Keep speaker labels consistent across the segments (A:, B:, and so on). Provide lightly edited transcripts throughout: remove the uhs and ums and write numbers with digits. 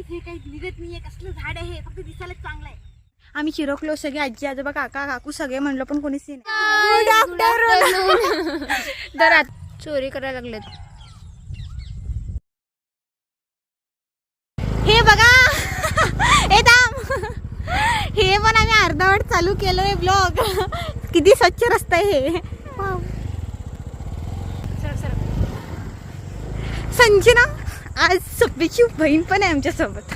A: गाईस हे काही निघत नाहीये, कसलं झाड आहे हे, फक्त दिसायला चांगलं आहे.
B: आम्ही चिरकलो सगळे, आजी आजोबा काका काकू सगळे म्हणलो पण कोणीच नाही.
C: दरात चोरी करायला लागलेत.
B: हे बघा हे थांब, हे पण आम्ही अर्धवट चालू केलोय ब्लॉग. किती स्वच्छ रस्ता आहे हे. संजना आज सप्पीची बहीण पण आहे आमच्या सोबत.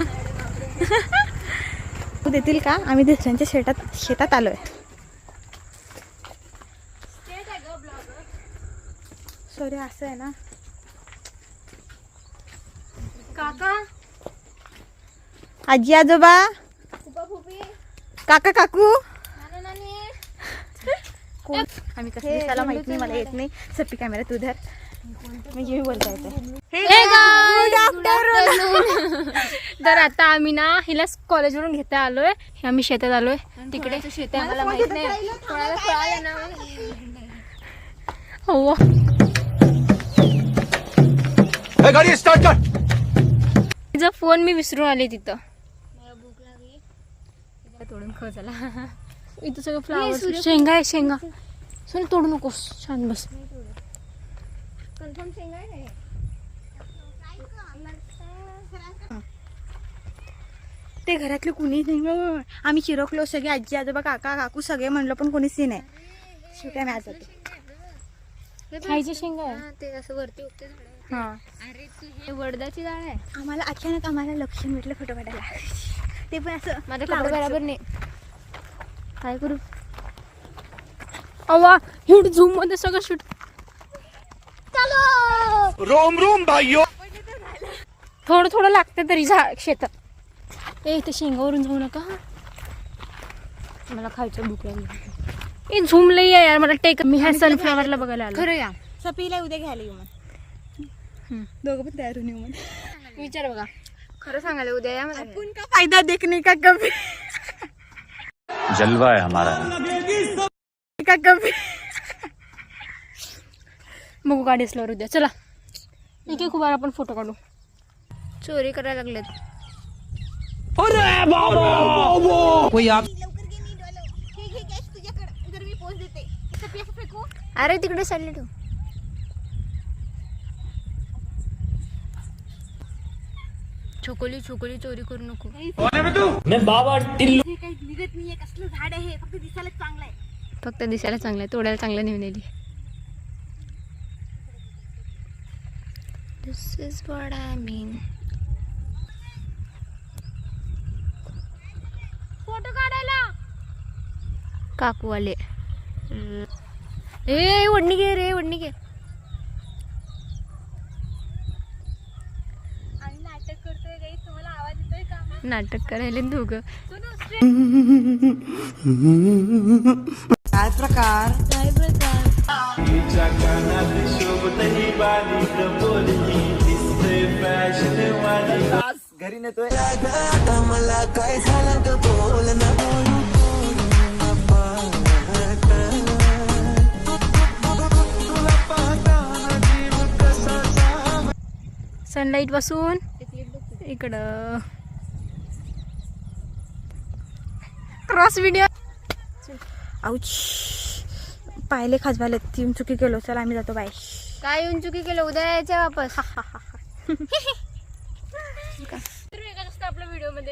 B: देतील का? आम्ही दुसऱ्यांच्या शेतात आलोय. सॉरी असं आहे ना
C: काका
B: आजी आजोबा काका काकू कोण आम्ही कसं दिसायला माहित नाही, मला येत नाही. सप्पी कॅमेरा तू धर म्हणजे मी बोलता येते.
C: तर आता आम्ही ना हिला कॉलेजवरून घेता आलोय. हे आम्ही शेतात आलोय. तिकडे शेत आम्हाला माहित नाही. हो
D: गाडी स्टार्ट कर.
C: तिचा फोन मी विसरून आले तिथं. मला भूक लागली. तोडून खा झाला. इथं सगळं फ्लावर शेंगा आहे. शेंगा सोनी तोडू नकोस. छान बस. कन्फर्म शेंगा आहे.
B: ते घरातले कुणीच नाही. आम्ही चिरकलो सगळे, आजी आजोबा काका काकू सगळे म्हणलो पण कोणीच नाही. शेवटी आम्ही आज जातो.
C: खायची शेंगा आहे.
A: ते असं वरती उठते.
C: हा
A: अरे तू हे वडदाची डाळ आहे.
B: आम्हाला अचानक लक्ष भेटलं फोटो काढायला. ते पण असं
C: माझे कपडे बरोबर नाही. काय करू? अवा हिट झूम मध्ये सगळं शूट.
D: रोम रोम भाइयों.
C: थोडं थोडं लागतं तरी शेतात. ए ते शेंगावरून जाऊ नका. मला खायचं भूक लागली. ए झूम लई आहे यार मला. टेक मी ह्या सनफ्लावरला बघायला आलो.
A: खरं या
B: सपीला उद्या घ्यायला येऊ मग. दोघं पण तयार होऊन येऊ मग.
C: विचार बघा. खरं सांगायला उद्या या मला.
B: आपण का फायदा देखने का कभी
D: जलवा है हमारा.
B: का कभी.
C: बघू गाडी असल्यावर उद्या. चला एक खूप आपण फोटो काढू. चोरी करायला लागलेत.
D: कोई आप
C: अरे तिकडे चालले तू. छोकोली छोकोली चोरी करू नको.
D: मैं बाबा टिल्लू.
A: हे काही निघत नाहीये, कसलं झाड आहे हे, फक्त दिसायला चांगलं आहे.
C: फक्त दिसायला चांगलं आहे. तोडायला चांगलं नेऊन नेली. This is what I mean. Photo काढायला काकू आले. ए वडणी घे रे वडणी घे.
A: आणि नाटक करतोय गाईस. तुम्हाला आवाज येतोय का?
C: नाटक करायला दोघं.
B: काय प्रकार
D: घरी नेतोय.
C: सनलाईट पासून इकडं क्रॉस व्हिडिओ.
B: आऊच पाहिले खाजवाले. तीन चुकी केलो. चला आम्ही जातो. बाय.
C: काय येऊन चुकी केलं? उद्या यायचं वापस. आपल्या व्हिडिओ मध्ये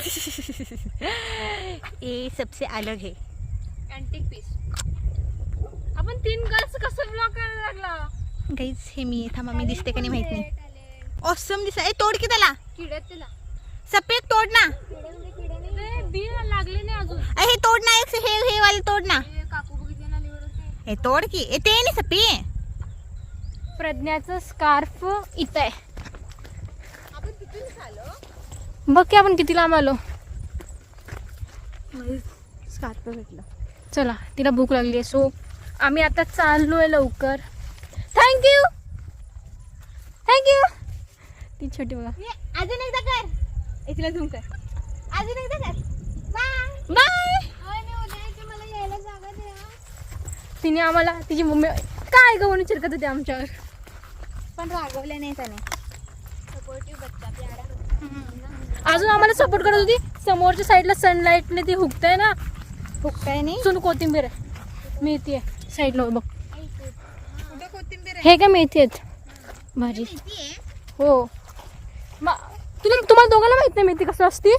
B: ये सबसे अलग है.
C: Antique piece. आपण 3 गर्ल्स कसं ब्लॉग करायला लागला.
B: गाईज हे मी थांबा मी दिसते का नाही माहित नाही. ऑसम दिसा. ए तोड की त्याला.
C: किड्यात तिला
B: सफेद तोड ना.
C: बी लागले नाही अजून.
B: हे तोड ना. एक हे वाले तोड ना.
C: काकू बघितले ना लिव्हर होते.
B: हे तोड की. ए ते नाही सपी.
C: प्रज्ञाचं स्कार्फ इथं आहे. बघ की आपण किती लांब आलो.
B: स्कार्फ भेटलं.
C: चला तिला भूक लागली आहे. सो आम्ही आता चाललोय लवकर. Thank you thank you. ती छोटी बघा.
B: अजून एकदा कर. तिला झूम कर. अजून एकदा कर. Bye
C: bye. तिने आम्हाला तिची मम्मी काय गवणी चिरकत होती आमच्यावर.
B: पण रागवले नाही त्याने.
A: सपोर्टिव्ह बच्चा प्यारा.
C: अजून आम्हाला सपोर्ट करत होती. समोरच्या साईडला सनलाईटने ती हुकताय ना.
B: फुकताय नाही
C: सोनू कोथिंबीर आहे, मेथी आहे साईडला बघ.
B: कुठं कोथिंबीर
C: हे काय मेथी आहेत भाजी. हो तुम्हाला दोघांना माहित नाही मेथी कसं असते.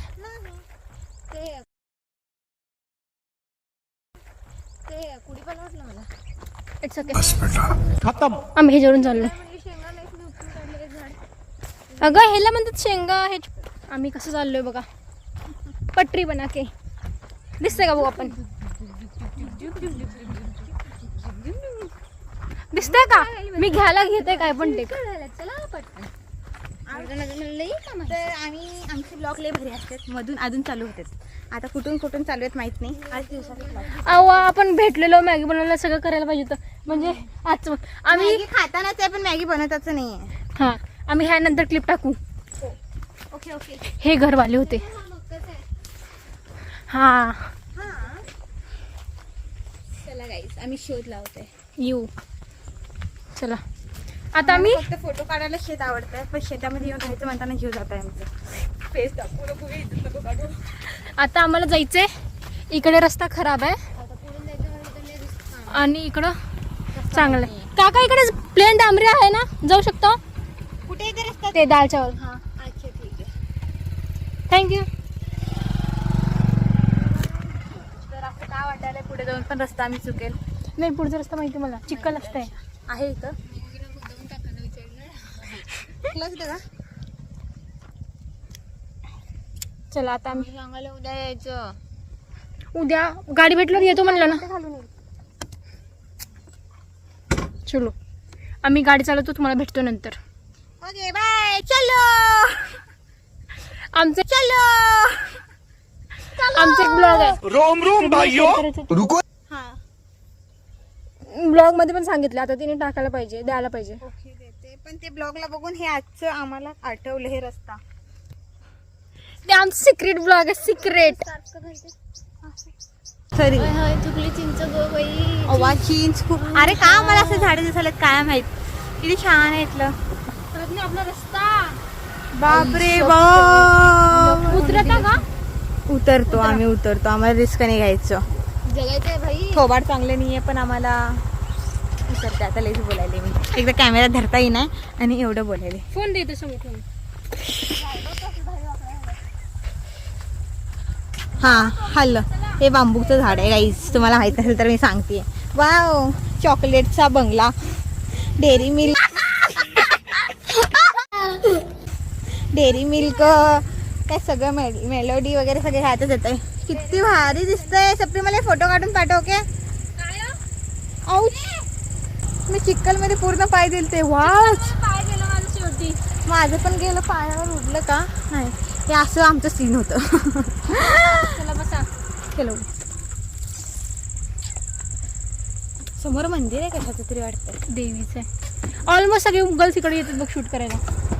A: कुडी पण वाटलं मला.
C: It's okay.
D: खत्म.
C: आम्ही ह्याच्यावरून चाललोय. अगं ह्याला म्हणतात शेंगा. हे आम्ही कसं चाललोय बघा, पटरी बना के. दिसतंय का बघू आपण, दिसतंय का मी घ्यायला घेते काय पण ते.
A: चला पटकन.
B: तर आम्ही आमचे ब्लॉग लय भारी असतात, मधून अजून चालू होतात. आता कुठून कुठून चालू आहेत माहित नाही. आज दिवसाचे vlog.
C: अहो आपण भेटलेलो, मॅगी बनवायला सगळं करायला पाहिजे होतं. म्हणजे आज आम्ही
B: मॅगी खातानाच आहे पण मॅगी बनवताच नाहीये.
C: हा आम्ही ह्यानंतर क्लिप टाकू.
B: Okay okay.
C: हे घरवाले होते. हा
B: चला गाईस आम्ही शोध लावतोय.
C: येऊ. चला आता आम्ही
B: फक्त फोटो काढायला शेत आवडतंय, पण शेतामध्ये येऊन राहायचं म्हणताना जीव जात आहे आमचं. फेस दाखवू नको, इज्जत नको काढू.
C: आता आम्हाला जायचंय. इकडे रस्ता खराब आहे आणि इकडं चांगलं आहे. काका इकडे प्लेन डांबरी आहे ना, जाऊ शकतो.
B: कुठे येते रस्ता?
C: ते दालच्यावर. हा
B: अच्छा ठीक आहे.
C: थँक्यू.
B: तर असं काय वाटायला पुढे जाऊन पण रस्ता आम्ही चुकेल.
C: नाही पुढचा रस्ता माहिती मला, चिखल असतंय.
B: आहे इथं का?
C: चला आता आम्ही
A: सांगायला उद्या यायचं.
C: उद्या गाडी भेटल्यावर येतो म्हणलं ना. चलो आम्ही गाडी चालवतो, तुम्हाला भेटतो नंतर.
B: Okay bye. चलो
C: आमचे
B: चलो
C: एक ब्लॉग आहे.
D: रोम रोम भाइयों. रुको.
B: हा
C: ब्लॉग मध्ये पण सांगितलं, आता तिने टाकायला पाहिजे, द्यायला पाहिजे.
B: ओके देते. पण ते ब्लॉगला बघून हे आजचं आम्हाला आठवलं हे रस्ता.
C: ते आमचं सिक्रेट ब्लॉग आहे, सिक्रेट.
B: सॉरी
A: चुकली चिंच गो बाई.
B: अवा चिंच खूप. अरे का मला असं झाडे दिसायला काय माहित. किती छान आहे इथलं.
C: आपला रस्ता
B: बापरे बाप.
C: उतरता का?
B: उतरतो आम्ही, उतरतो. आम्हाला रिस्क नाही घ्यायचं.
A: जगायचंय भाई.
B: थोबाड चांगले नाहीये पण आम्हाला उतरते. आता लईच बोलायले मी. एकदा कॅमेरा धरता येईना आणि एवढं बोलायले.
C: फोन देतो समोर फोन.
B: हा हल्ल. हे बांबूचं झाड आहे गाईस, तुम्हाला माहित नसेल तर मी सांगते. वाव चॉकलेटचा बंगला, डेअरी मिल्क, डेअरी मिल्क काय सगळं मेलोडी वगैरे सगळे ह्यातच येत आहे. किती भारी दिसतंय. सप्री मला फोटो काढून पाठव. ओके. औच मी चिक्कल मध्ये पूर्ण पाय दिलते. वाव
C: पाय गेलं माझं शेवटी.
B: माझं पण गेलं, पायावर उडलं का नाही. हे असं आमचं सीन होतं.
C: चला बसा.
B: चलो. समोर मंदिर आहे कशाचं तरी वाटतं.
C: देवीचं आहे. ऑलमोस्ट सगळे गर्ल्स इकडे येतात बघ शूट करायला.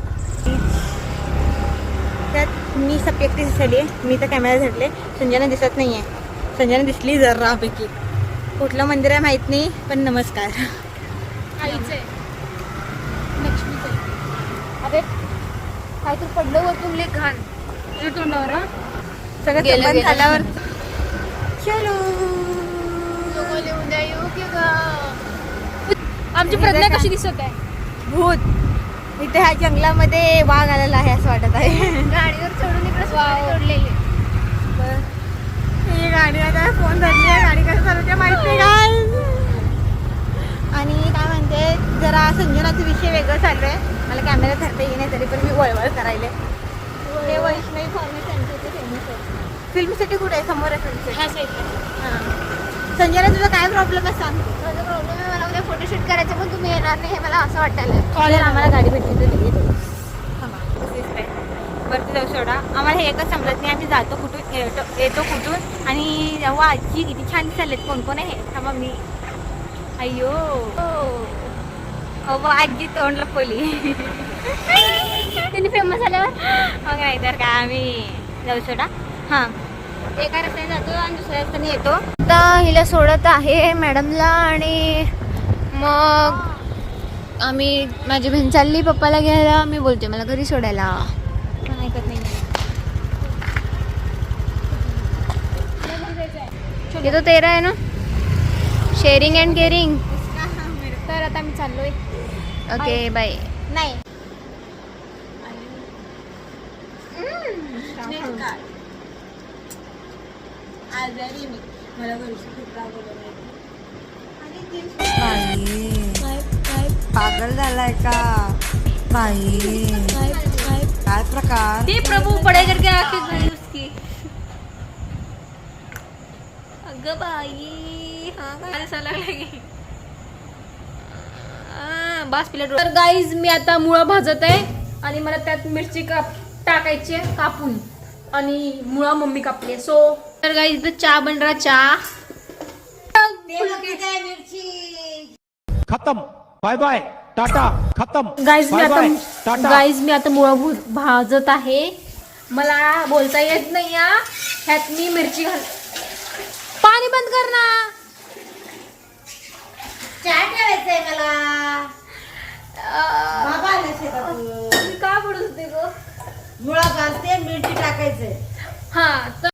B: त्यात मी सप्यक्ती दिसली आहे. मी तर कॅमेरा धरले. संजना दिसत नाहीये. संजना दिसली जरापैकी. कुठलं मंदिर आहे माहित नाही पण नमस्कार.
C: आईचं आहे, लक्ष्मीचं आहे. अरे काय तर पडलं वर तुमले घाण तुझ्या तोंडावर. हा
B: सगळं
A: गेलं,
B: संपन्न
A: गेलं.
B: झाल्यावर चलो.
A: उद्या येऊ की ग.
C: आमची प्रज्ञा कशी दिसत आहे.
B: भूत इथे ह्या जंगलामध्ये वाघ आलेला आहे असं वाटत आहे.
A: गाडीवर चढून इकडे सोडलेले.
B: ही गाडी आता फोन धरली आहे. गाडी कसं चालवते माहित नाही काय. आणि काय म्हणते जरा संजनाचा विषय वेगळं चालू आहे. मला कॅमेरा धरता येईन तरी पण मी वळवळ करायले. हे वैष्णवी फॉर्मेट त्यांचे ते फेमस आहे. फिल्मसाठी कुठे आहे? समोर आहे फिल्मसाठी.
C: ह्या साईडला.
B: हां. संजना तुझा काय प्रॉब्लेम आहे सांग.
A: माझा प्रॉब्लेम आहे, मला उद्या फोटोशूट करायचं पण तुम्ही येणार नाही हे मला असं वाटायला.
B: कॉलेज आम्हाला गाडी भेटली तर तिथे वरती जाऊ सोडा. आम्हाला हे एकच समजत नाही आम्ही जातो कुठून येतो कुठून. आणि जेव्हा आजी किती छान दिसायलेत. कोण कोण आहे थांबा मी. अय्यो हो आजी तोंड लपवली.
C: त्यांनी फेमस झाल्यावर
B: मग नाही तर काय आम्ही जाऊ सोडा. हां एका रस्त्याने जातो आणि दुसऱ्या रस्त्याने येतो.
A: आता हिला सोडत आहे मॅडमला आणि मग आम्ही माझी बहीण चालली पप्पाला घ्यायला. मी बोलते मला घरी सोडायला.
B: पण ऐकत नाही.
A: ये तो तेरा है ना, शेअरिंग अँड केअरिंग.
C: तर आता मी चाललोय.
A: Okay bye.
B: नाही आजारी मी मला घरची खूप रागवलं
E: पागल झालाय का बाई? काय प्रकार?
C: ते प्रभू पढाई करके आके गई उसकी. अगं बाई हा काय असा लागला की बास प्लेट. तर गाईज मी आता मुळा भाजत आहे आणि मला त्यात मिरची टाकायची आहे कापून आणि मुळा मम्मी कापली. सो तर गाईज इथं चहा बन रहा चहा.
D: खत्म. Bye bye tata. खत्म.
C: गाईज मी
D: बाय बाय
C: आता
D: टाटा.
C: मुळा भाजत आहे. मला बोलता येत नाही हा. ह्यात मी मिरची घाल. पाणी बंद कर ना.
B: चहा ठेवायचंय मला. बाबा आले शेतातून.
C: मी का पडत होते ग.
B: मुळा भाजते मिरची टाकायचंय.
C: हा